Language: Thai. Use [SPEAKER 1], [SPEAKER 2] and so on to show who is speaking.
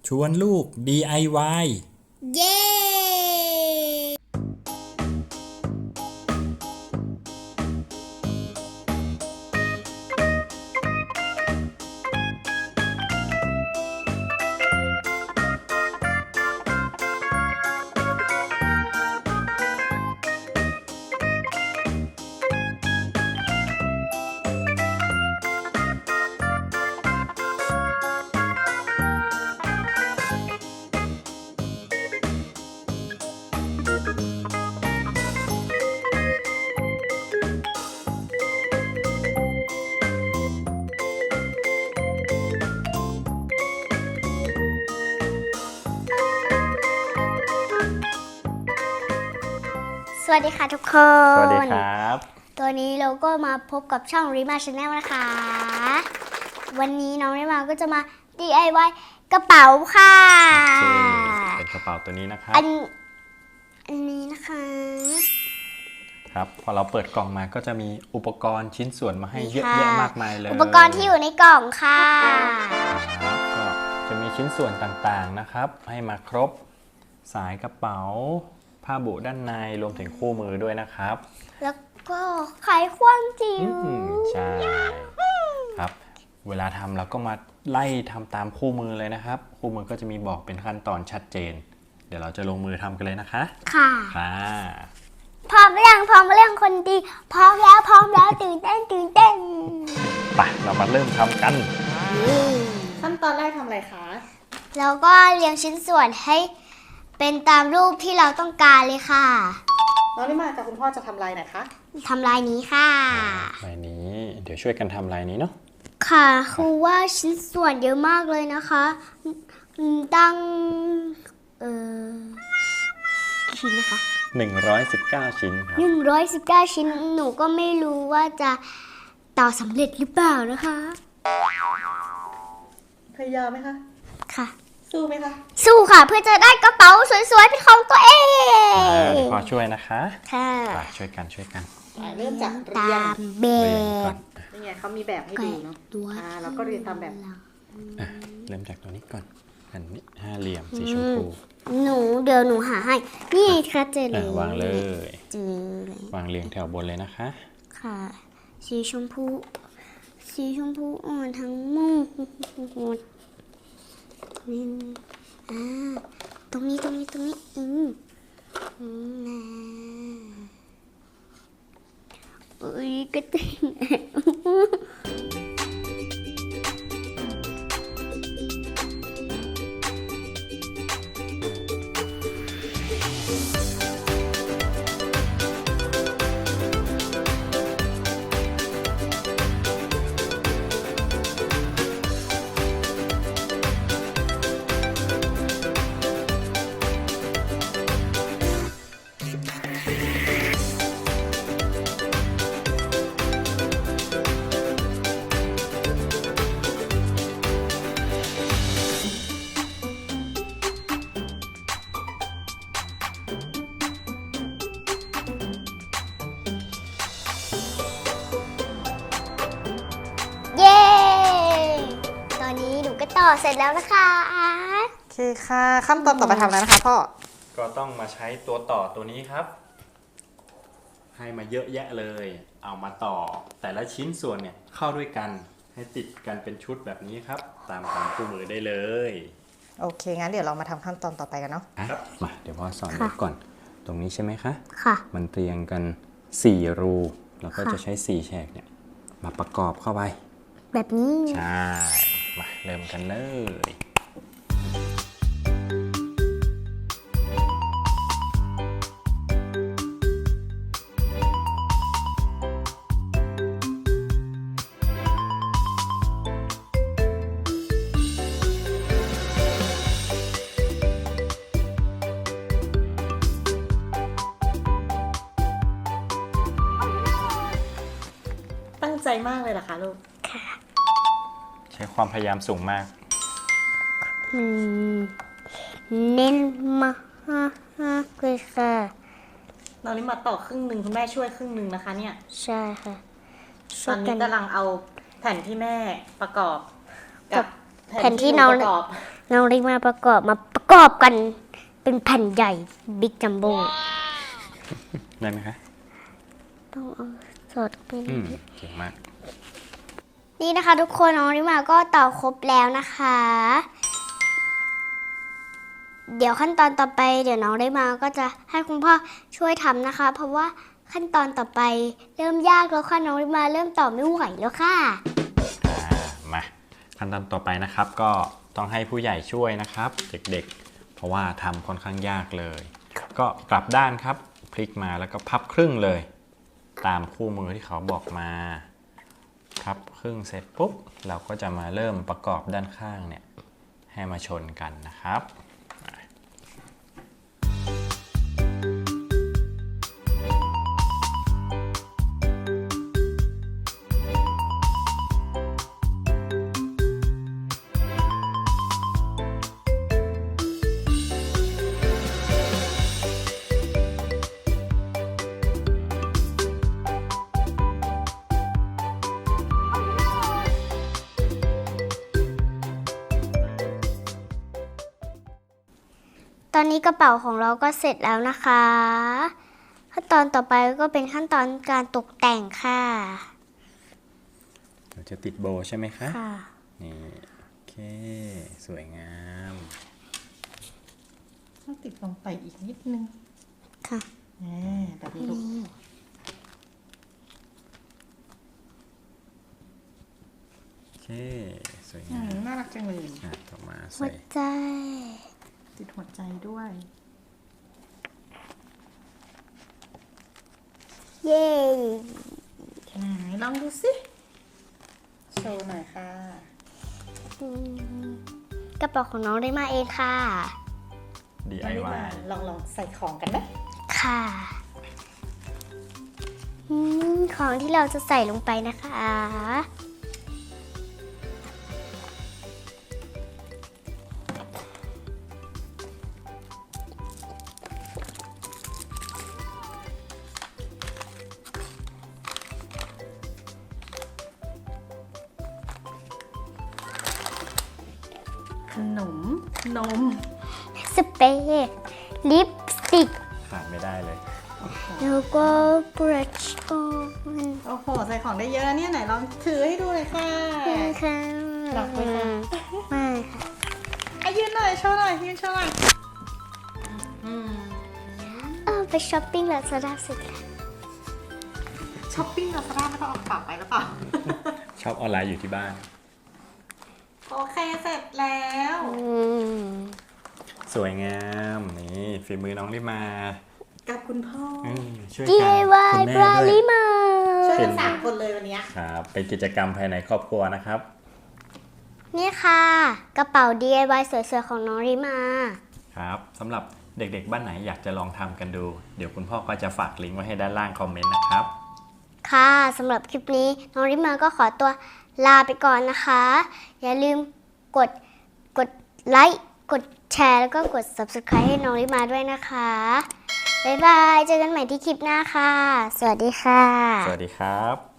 [SPEAKER 1] ชวนลูก DIY
[SPEAKER 2] เย้สวัสดีค่ะทุกคน
[SPEAKER 1] สวัสดีครับ
[SPEAKER 2] ตัวนี้เราก็มาพบกับช่อง Rima Channel นะคะ วันนี้น้องริมาก็จะมา DIY กระเป๋าค่ะ
[SPEAKER 1] โอเคเป็นกระเป๋าตัวนี้นะครับ
[SPEAKER 2] อันนี้นะคะ
[SPEAKER 1] ครับ พอเราเปิดกล่องมาก็จะมีอุปกรณ์ชิ้นส่วนมาให้เยอะ
[SPEAKER 2] ค่ะ
[SPEAKER 1] แยะมากมายเลย
[SPEAKER 2] อุปกรณ์ที่อยู่ในกล่องค่ะ
[SPEAKER 1] ครับก็จะมีชิ้นส่วนต่างๆนะครับ ให้มาครบ สายกระเป๋า ผ้าบุด้านใน รวมถึงคู่มือด้วยนะครับ
[SPEAKER 2] แล้วก็ไขควงจิ๋ว
[SPEAKER 1] ใช่ครับ เวลาทำเราก็มาไล่ทำตามคู่มือเลยนะครับ คู่มือก็จะมีบอกเป็นขั้นตอนชัดเจน เดี๋ยวเราจะลงมือทำกันเลยนะคะ
[SPEAKER 2] ค่ะ
[SPEAKER 1] ค่ะ
[SPEAKER 2] พร้อมหรือยังพร้อมหรือยังคนดี พร้อมแล้วตื่นเต้น
[SPEAKER 1] ไปเรามาเริ่มทำกัน
[SPEAKER 3] ขั้นตอนแรกทำอะไรคะ
[SPEAKER 2] แล้วก็เรียงชิ้นส่วนให้เป็นตามรูปที่เราต้องการเลยค่ะ
[SPEAKER 3] น้องลิมากับคุณพ่อจะทำลายไหนคะ
[SPEAKER 2] ทำลายนี้ค่ะ
[SPEAKER 1] ลายนี้เดี๋ยวช่วยกันทำลายนี้เนาะ
[SPEAKER 2] ค่ะคือว่าชิ้นส่วนเยอะมากเลยนะคะตั้งชิ้นนะคะ
[SPEAKER 1] 119 ชิ้นครับ
[SPEAKER 2] 119 ชิ้นหนูก็ไม่รู้ว่าจะต่อสำเร็จหรือเปล่านะคะ
[SPEAKER 3] พยายามไหมคะ
[SPEAKER 2] ค่ะ
[SPEAKER 3] สู้ไหมคะ
[SPEAKER 2] สู้ค่ะเพื่อจะได้กระเป๋าสวยๆเป็นของตัวเอง
[SPEAKER 1] เดี๋ยวพอช่วยนะคะ
[SPEAKER 2] ค่ะ
[SPEAKER 1] ไปช่วยกัน
[SPEAKER 3] เริ่มจากเรี
[SPEAKER 2] ตาย
[SPEAKER 3] ง
[SPEAKER 2] มแบ
[SPEAKER 1] เรียงก่อบ น
[SPEAKER 3] นี่ไงเขามีแบบให้ดูเนาะ
[SPEAKER 2] ตัว
[SPEAKER 3] แล้วก็เรียงตามแบบ
[SPEAKER 1] อ่ะเริ่มจากตัวนี้ก่อนอันนี้ห้าเหลี่ยมสีชมพู
[SPEAKER 2] เดี๋ยวหนูหาให้ นี่ค่ะเจอเล
[SPEAKER 1] อ่ะ
[SPEAKER 2] ยว
[SPEAKER 1] างเลย
[SPEAKER 2] เจอเลยว
[SPEAKER 1] างเรียงแถวบนเลยนะคะ
[SPEAKER 2] ค่ะ สีชมพูอ่อนทั้งหมดนี่ตรงนี้นะอุ้ยกระติงเย้ ตอนนี้หนูก็ต่อเสร็จแล้วนะคะ
[SPEAKER 3] โอเคค่ะ ขั้นตอนต่อไปทำอะไรนะคะพ่อ
[SPEAKER 1] ก็ต้องมาใช้ตัวต่อตัวนี้ครับ ให้มาเยอะแยะเลย เอามาต่อ แต่ละชิ้นส่วนเนี่ยเข้าด้วยกันให้ติดกันเป็นชุดแบบนี้ครับ ตามคู่มือได้เลย
[SPEAKER 3] โอเค งั้นเดี๋ยวเรามาทำขั้นตอนต่อไปกันเนาะ
[SPEAKER 1] มาเดี๋ยวพ่อสอน
[SPEAKER 2] ค่ะ
[SPEAKER 1] ก่อน ตรงนี้ใช่ไหมคะ
[SPEAKER 2] ค่ะ
[SPEAKER 1] มันเรียงกัน 4 รู แล้วก็
[SPEAKER 2] ค่ะ
[SPEAKER 1] จะใช้ 4 แฉกเนี่ยมาประกอบเข้าไป
[SPEAKER 2] แบบนี้
[SPEAKER 1] ใช่ มาเริ่มกันเลย
[SPEAKER 3] ตั้งใจมากเลยเหรอคะลูก
[SPEAKER 1] ใช้ความพยายามสูงมาก
[SPEAKER 2] เน้นมากเลยค่ะ
[SPEAKER 3] น้องลิมาต่อครึ่งหนึ่งคุณแม่ช่วยครึ่งหนึ่งนะคะเนี่ย
[SPEAKER 2] ใช่ค่ะ
[SPEAKER 3] ตอนนี้กำลังเอาแผ่นที่แม่ประกอบ กับ
[SPEAKER 2] แผ่นที่น้อง
[SPEAKER 3] หประกอบ
[SPEAKER 2] น้องริมาประกอบกันเป็นแผ่นใหญ่บิ๊กจัมโบ้
[SPEAKER 1] ได้ไหมคะ
[SPEAKER 2] ต้องเอาสอดเข้าไปในนี้
[SPEAKER 1] เก่งมาก
[SPEAKER 2] นี่นะคะทุกคนน้องริมาก็ต่อครบแล้วนะคะ เดี๋ยวขั้นตอนต่อไปเดี๋ยวน้องริมาก็จะให้คุณพ่อช่วยทำนะคะ เพราะว่าขั้นตอนต่อไปเริ่มยากแล้วค่ะน้องริมาเริ่มต่อไม่ไหวแล้วค่ะ
[SPEAKER 1] มาขั้นตอนต่อไปนะครับ ก็ต้องให้ผู้ใหญ่ช่วยนะครับ เด็กๆ เพราะว่าทำค่อนข้างยากเลย ก็กลับด้านครับพลิกมาแล้วก็พับครึ่งเลย ตามคู่มือที่เขาบอกมาพับครึ่งเสร็จปุ๊บเราก็จะมาเริ่มประกอบด้านข้างเนี่ยให้มาชนกันนะครับ
[SPEAKER 2] ตอนนี้กระเป๋าของเราก็เสร็จแล้วนะคะ ขั้นตอนต่อไปก็เป็นขั้นตอนการตกแต่งค่ะ
[SPEAKER 1] เราจะติดโบว์ใช่ไหมคะ
[SPEAKER 2] ค่ะ
[SPEAKER 1] นี่โอเคสวยงาม
[SPEAKER 3] ต้องติดลงไปอีกนิดนึง
[SPEAKER 2] ค่ะ
[SPEAKER 3] แบบนี้ลูก
[SPEAKER 1] โอเคสวยงาม
[SPEAKER 3] น่ารักจังเลย
[SPEAKER 1] ต่อมา
[SPEAKER 2] หั
[SPEAKER 1] ใส่
[SPEAKER 2] วใจ
[SPEAKER 3] ติดหัวใจด้วย
[SPEAKER 2] เย้
[SPEAKER 3] ไหนลองดูสิโชว์หน่อยค่ะ
[SPEAKER 2] อืมกระเป๋าของน้องได้มาเองค่ะ
[SPEAKER 1] DIY
[SPEAKER 3] ลองใส่ของกันไหม
[SPEAKER 2] ค่ะของที่เราจะใส่ลงไปนะคะ
[SPEAKER 3] ขนมนม
[SPEAKER 2] สเปรย์ลิปสติก
[SPEAKER 1] ขาดไม่ได้เลย
[SPEAKER 2] แล้วก็บรัชออน
[SPEAKER 3] โอ้โห ใส่ของได้เยอะนะเนี่ยไหนลองถือให้ดูเลยค่ะ
[SPEAKER 2] ค่ะ
[SPEAKER 3] หนักไหมคะ
[SPEAKER 2] ไม่ค่ะ
[SPEAKER 3] ยืนหน่อยโชว์หน่อยยืนโชว์หน่อย
[SPEAKER 2] ไปช้อปปิ้งลาซาด้าเสร็จแล้ว
[SPEAKER 3] ช้อปปิ้งลาซาด้าไม่ต้องเอากระเป๋าไปหรือเปล่า
[SPEAKER 1] ชอบออนไลน์อยู่ที่บ้าน
[SPEAKER 3] โอเคเสร็จแล้ว
[SPEAKER 1] สวยงามนี่ฝีมือน้องริมา
[SPEAKER 3] กับคุณพ่อ
[SPEAKER 1] ช่วย
[SPEAKER 2] ดี
[SPEAKER 1] กั
[SPEAKER 2] ไอน วาย
[SPEAKER 1] คุณ
[SPEAKER 2] บ
[SPEAKER 1] แม่
[SPEAKER 2] รา
[SPEAKER 1] ด้วย
[SPEAKER 2] ลิมา
[SPEAKER 3] ช่วยกันสามคนเลยวันเนี้ย
[SPEAKER 1] ครับเป็นกิจกรรมภายในครอบครัวนะครับ
[SPEAKER 2] นี่ค่ะ กระเป๋า DIY สวยๆของน้องริมา
[SPEAKER 1] ครับสำหรับเด็กๆบ้านไหนอยากจะลองทำกันดู เดี๋ยวคุณพ่อก็จะฝากลิงก์ไว้ให้ด้านล่างคอมเมนต์นะครับ
[SPEAKER 2] ค่ะสำหรับคลิปนี้น้องริมาก็ขอตัวลาไปก่อนนะคะ อย่าลืมกดไลค์กดแชร์แล้วก็กด Subscribe ให้น้องริมาด้วยนะคะบ๊ายบายเจอกันใหม่ที่คลิปหน้าค่ะ สวัสดีค่ะ
[SPEAKER 1] สวัสดีครับ